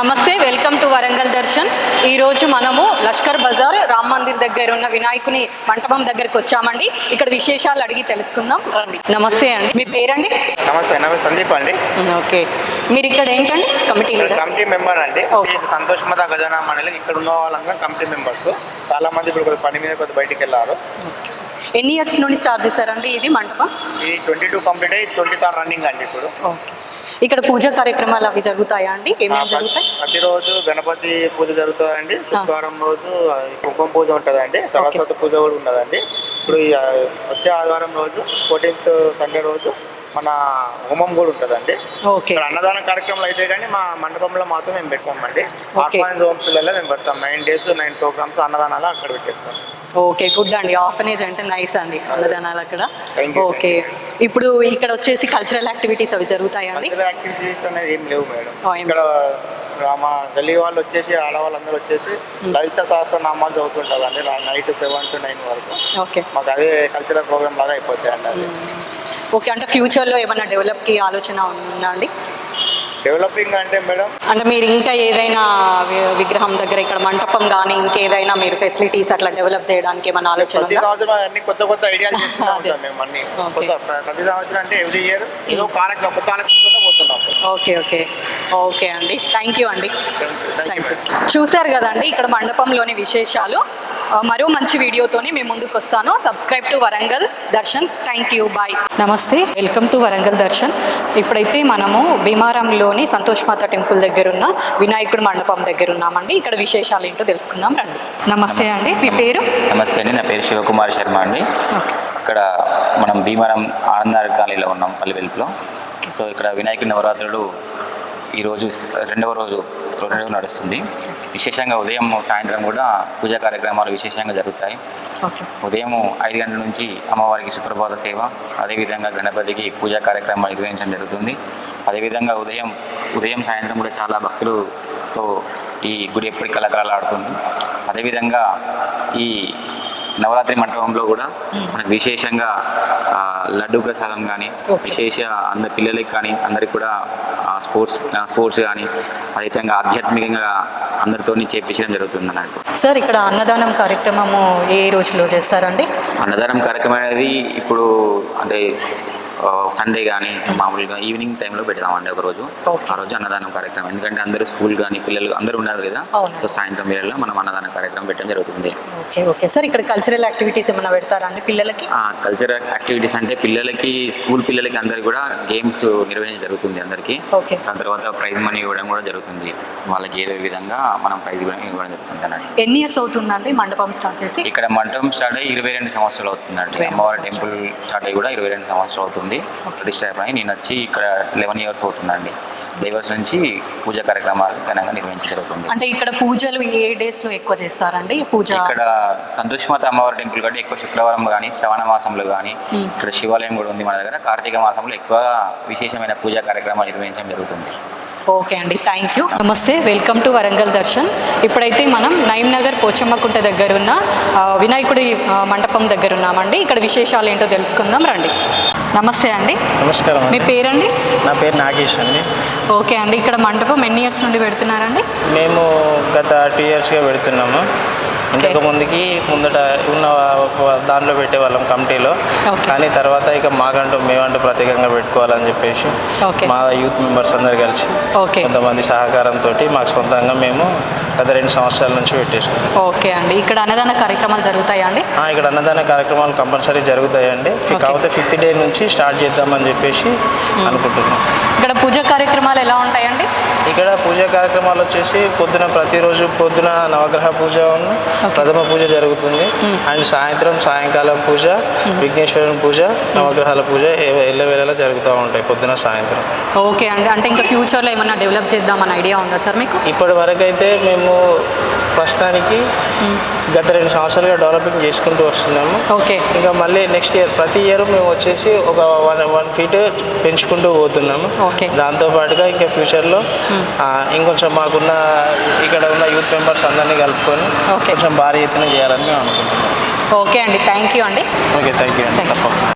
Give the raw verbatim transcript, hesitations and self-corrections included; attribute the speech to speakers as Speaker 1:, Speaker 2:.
Speaker 1: నమస్తే, welcome to Warangal Darshan. ఈరోజు మనము లష్కర్ బజార్ రామ్ మందిర్ దగ్గర ఉన్న వినాయకుని మంటపం దగ్గరకు వచ్చామండి. ఇక్కడ విశేషాలు అడిగి తెలుసుకుందాం. నమస్తే అండి, మీ పేరండి?
Speaker 2: నమస్తే, నమస్తే సందీప్ అండి.
Speaker 1: ఓకే, మీరు ఇక్కడ ఏంటండి? కమిటీ
Speaker 2: కమిటీ మెంబర్ అండి. సంతోషమత గజానా మండలి ఇక్కడ ఉన్న వాళ్ళంతా కమిటీ మెంబర్స్. చాలా మంది ఇప్పుడు కొద్ది పని మీద కొద్ది బయటికి వెళ్ళారు.
Speaker 1: ఎన్ని ఇయర్స్ నుండి స్టార్ట్ చేశారండి ఇది మంటపం?
Speaker 2: ఇది ట్వంటీ టూ కంప్లీట్ అయ్యి ట్వంటీ థర్డ్ రన్నింగ్ అండి ఇప్పుడు.
Speaker 1: ఓకే, ఇక్కడ పూజా కార్యక్రమాలు అవి జరుగుతాయా అండి? ఏమేమి జరుగుతాయి?
Speaker 2: ప్రతిరోజు గణపతి పూజ జరుగుతుందండి. శుక్రవారం రోజు కుంకుమ పూజ ఉంటుందండి. సరస్వతి పూజ కూడా ఉండదండి. ఇప్పుడు వచ్చే ఆదివారం రోజు ఫోర్టీన్త్ సండే రోజు మన హోమం కూడా ఉంటుందండి. ఇక్కడ అన్నదాన కార్యక్రమాలు అయితే కానీ మా మండపంలో మాత్రం మేము పెట్టామండి. ఆర్ఫనైజ్ హోమ్స్లలో మేము పెడతాం. నైన్ డేస్ నైన్ ప్రోగ్రామ్స్ అన్నదానాలు అక్కడ పెట్టేస్తాం.
Speaker 1: ఓకే, గుడ్ అండి. ఆర్ఫనేజ్ అంటే నైస్ అండి, అన్నదానాలు అక్కడ. ఓకే, ఇప్పుడు ఇక్కడ వచ్చేసి కల్చరల్ యాక్టివిటీస్ అవి జరుగుతాయండి?
Speaker 2: కల్చరల్ యాక్టివిటీస్ అనేది ఏం లేవు మేడం. ఇక్కడ మా గల్లీ వాళ్ళు వచ్చేసి ఆడవాళ్ళందరూ వచ్చేసి లలిత సహస్రనామాలు చదువుతుంటారు అండి నైట్ సెవెన్ టు నైన్ వరకు. ఓకే, మాకు అదే కల్చరల్ ప్రోగ్రామ్ లాగా అయిపోతాయి అండి అది.
Speaker 1: ఓకే, అంటే ఫ్యూచర్లో ఏమైనా డెవలప్కి ఆలోచన ఉందా అండి?
Speaker 2: డెవలపింగ్ అంటే మేడం,
Speaker 1: అంటే మీరు ఇంకా ఏదైనా విగ్రహం దగ్గర ఇక్కడ మంటపం కానీ ఇంకేదైనా మీరు ఫెసిలిటీస్ అట్లా డెవలప్ చేయడానికి ఏమైనా ఆలోచన?
Speaker 2: ప్రతి సంవత్సరం అన్ని కొత్త కొత్త ఐడియాలు చేస్తున్నాం మేము అన్ని కొత్త. ప్రతి సంవత్సరం అంటే ఎవ్రీ ఇయర్ ఏదో కార్యక్రమం కొత్త కార్యక్రమంలో పోతున్నాం. ఓకే
Speaker 1: ఓకే ఓకే అండి, థ్యాంక్ యూ అండి. Thank you. చూశారు కదండి ఇక్కడ మండపంలోని విశేషాలు. మరో మంచి వీడియోతోని మేము ముందుకు వస్తాను. Subscribe to Warangal Darshan. Thank you, bye. నమస్తే, వెల్కమ్ టు వరంగల్ దర్శన్. ఇప్పుడైతే మనము భీమారంలోని సంతోష్మాత టెంపుల్ దగ్గర ఉన్న వినాయకుడి మండపం దగ్గర ఉన్నామండి. ఇక్కడ విశేషాలు ఏంటో తెలుసుకుందాం రండి. నమస్తే అండి, మీ పేరు?
Speaker 3: నమస్తే అండి, నా పేరు శివకుమార్ శర్మ అండి. ఇక్కడ మనం భీమారం ఆనందార్ కాలనీలో ఉన్నాం, పల్లి వెలుపులో. సో ఇక్కడ వినాయకుడి నవరాత్రులు ఈరోజు రెండవ రోజు రోజు నడుస్తుంది. విశేషంగా ఉదయం సాయంత్రం కూడా పూజా కార్యక్రమాలు విశేషంగా జరుగుతాయి. ఉదయం ఐదు గంటల నుంచి అమ్మవారికి సుప్రభాత సేవ, అదేవిధంగా గణపతికి పూజా కార్యక్రమాలు నిర్వహించడం జరుగుతుంది. అదేవిధంగా ఉదయం ఉదయం సాయంత్రం కూడా చాలా భక్తులతో ఈ గుడి ఎప్పటికీ కలకలలాడుతుంది. అదేవిధంగా ఈ నవరాత్రి మండపంలో కూడా మనకు విశేషంగా లడ్డూ ప్రసాదం కానీ విశేష అందరి పిల్లలకి కానీ అందరికి కూడా స్పోర్ట్స్ స్పోర్ట్స్ కానీ అదేవిధంగా ఆధ్యాత్మికంగా అందరితో చేపించడం జరుగుతుంది అన్నట్టు.
Speaker 1: సార్, ఇక్కడ అన్నదానం కార్యక్రమము ఏ రోజులో చేస్తారండి?
Speaker 3: అన్నదానం కార్యక్రమం అనేది ఇప్పుడు అంటే సండే కానీ మామూలుగా ఈవినింగ్ టైంలో పెడతామండి ఒకరోజు. ఆ రోజు అన్నదానం కార్యక్రమం, ఎందుకంటే అందరూ స్కూల్ కానీ పిల్లలు అందరూ ఉన్నారు కదా. సో సాయంత్రం వేళల్లో మనం అన్నదాన కార్యక్రమం పెట్టడం జరుగుతుంది.
Speaker 1: ఓకే ఓకే సార్, ఇక్కడ కల్చరల్ యాక్టివిటీస్ ఏమైనా పెడతారా అండి పిల్లలకి?
Speaker 3: కల్చరల్ యాక్టివిటీస్ అంటే పిల్లలకి స్కూల్ పిల్లలకి అందరికి కూడా గేమ్స్ నిర్వహించడం జరుగుతుంది అందరికీ. దాని తర్వాత ప్రైజ్ మనీ ఇవ్వడం కూడా జరుగుతుంది. వాళ్ళకి ఏదో విధంగా మనం ప్రైజ్ ఇవ్వడం జరుగుతుంది అన్నట్టు.
Speaker 1: ఎన్ని ఇయర్స్ అవుతుందండి మండపం స్టార్ట్ చేసి?
Speaker 3: ఇక్కడ మండపం స్టార్ట్ అయ్యి ఇరవై రెండు సంవత్సరాలు అవుతుందండి. అమ్మవారి టెంపుల్ స్టార్ట్ అయ్యి కూడా ఇరవై రెండు సంవత్సరాలు అవుతుంది. ప్రతిష్ట అయిపోయి నేను వచ్చి ఇక్కడ లెవెన్ ఇయర్స్ అవుతుందండి. ఇయర్స్ నుంచి పూజా కార్యక్రమాలు ఘనంగా నిర్వహించడం జరుగుతుంది.
Speaker 1: అంటే ఇక్కడ పూజలు ఏ డేస్ లో ఎక్కువ చేస్తారండి పూజ?
Speaker 3: ఇక్కడ సంతోష్మాత అమ్మవారి టెంపుల్ కంటే ఎక్కువ శుక్రవారం కానీ శ్రవణ మాసంలో కానీ ఇక్కడ శివాలయం కూడా ఉంది మన దగ్గర. కార్తీక మాసంలో ఎక్కువ విశేషమైన పూజా కార్యక్రమాలు నిర్వహించడం జరుగుతుంది.
Speaker 1: ఓకే అండి, థ్యాంక్ యూ. నమస్తే, వెల్కమ్ టు వరంగల్ దర్శన్. ఇప్పుడైతే మనం నైమ్ నగర్ పోచమ్మకుంట దగ్గర ఉన్న వినాయకుడి మండపం దగ్గర ఉన్నామండి. ఇక్కడ విశేషాలు ఏంటో తెలుసుకుందాం రండి. నమస్తే అండి.
Speaker 4: నమస్కారం.
Speaker 1: మీ పేరండి?
Speaker 4: నా పేరు నాగేష్ అండి.
Speaker 1: ఓకే అండి, ఇక్కడ మండపం ఎన్ని ఇయర్స్ నుండి పెడుతున్నారండి?
Speaker 4: మేము గత టూ ఇయర్స్గా పెడుతున్నాము. ఇంతకు ముందుకి ముందట ఉన్న దాంట్లో పెట్టేవాళ్ళం కమిటీలో, కానీ తర్వాత ఇక మాకంటూ మేమంటూ ప్రత్యేకంగా పెట్టుకోవాలని చెప్పేసి మా యూత్ మెంబర్స్ అందరు కలిసి కొంతమంది సహకారంతో మాకు సొంతంగా మేము గత రెండు సంవత్సరాల నుంచి పెట్టేసుకున్నాం.
Speaker 1: ఓకే అండి, ఇక్కడ అన్నదాన కార్యక్రమాలు జరుగుతాయా అండి?
Speaker 4: ఇక్కడ అన్నదాన కార్యక్రమాలు కంపల్సరీ జరుగుతాయండి. కాకపోతే ఫిఫ్త్ డే నుంచి స్టార్ట్ చేద్దామని చెప్పేసి అనుకుంటున్నాం.
Speaker 1: ఇక్కడ పూజా కార్యక్రమాలు ఎలా ఉంటాయండి?
Speaker 4: ఇక్కడ పూజా కార్యక్రమాలు వచ్చేసి పొద్దున ప్రతిరోజు పొద్దున నవగ్రహ పూజ ప్రథమ పూజ జరుగుతుంది. అండ్ సాయంత్రం సాయంకాలం పూజ, విఘ్నేశ్వరుని పూజ, నవగ్రహాల పూజ ఎల్లవేళలా జరుగుతూ ఉంటాయి పొద్దున సాయంత్రం.
Speaker 1: ఓకే అండి, అంటే ఇంకా ఫ్యూచర్లో ఏమైనా డెవలప్ చేద్దామని ఐడియా ఉందా సార్ మీకు?
Speaker 4: ఇప్పటి వరకు అయితే మేము ప్రస్తుతానికి గత రెండు సంవత్సరాలుగా డెవలపింగ్ చేసుకుంటూ వస్తున్నాము.
Speaker 1: ఓకే,
Speaker 4: ఇంకా మళ్ళీ నెక్స్ట్ ఇయర్ ప్రతి ఇయర్ మేము వచ్చేసి ఒక వన్ వన్ ఫీట్ పెంచుకుంటూ పోతున్నాము.
Speaker 1: ఓకే,
Speaker 4: దాంతోపాటుగా ఇంకా ఫ్యూచర్లో ఇంకొంచెం మాకున్న ఇక్కడ ఉన్న యూత్ మెంబర్స్ అందరినీ కలుపుకొని కొంచెం భారీ ఎత్తున చేయాలని మేము అనుకుంటున్నాం.
Speaker 1: ఓకే అండి, థ్యాంక్ యూ అండి.
Speaker 4: ఓకే, థ్యాంక్ యూ అండి. తప్పకుండా.